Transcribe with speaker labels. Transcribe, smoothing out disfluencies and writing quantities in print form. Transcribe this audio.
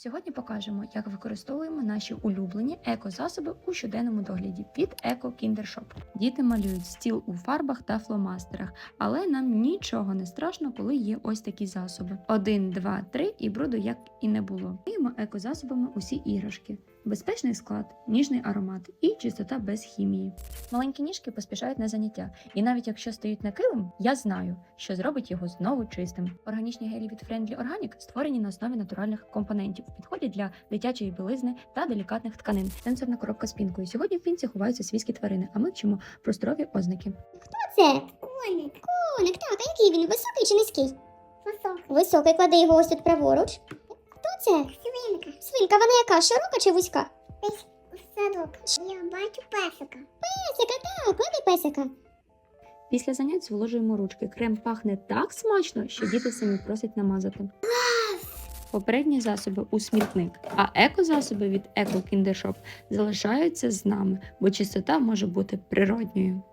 Speaker 1: Сьогодні покажемо, як використовуємо наші улюблені екозасоби у щоденному догляді від Eco Kinder Shop. Діти малюють стіл у фарбах та фломастерах, але нам нічого не страшно, коли є ось такі засоби. 1, 2, 3 і бруду як і не було. Миємо екозасобами усі іграшки. Безпечний склад, ніжний аромат і чистота без хімії. Маленькі ніжки поспішають на заняття, і навіть якщо стають на килим, я знаю, що зробить його знову чистим. Органічні гелі від Friendly Organic створені на основі натуральних компонентів, підходять для дитячої білизни та делікатних тканин. Сенсорна коробка з пінкою. Сьогодні в пінці ховаються свійські тварини, а ми вчимо про здорові ознаки.
Speaker 2: Це коник. Коник, так, а який він? Високий чи низький? Високий. Високий, клади його ось тут праворуч. Хто це? Свинка. Свинка, вона яка, широка чи вузька? Садок. Я бачу песика. Песика, так, клади песика.
Speaker 1: Після занять зволожуємо ручки. Крем пахне так смачно, що діти самі просять намазати. Попередні засоби у смітник, а екозасоби від Eco Kinder Shop залишаються з нами, бо чистота може бути природньою.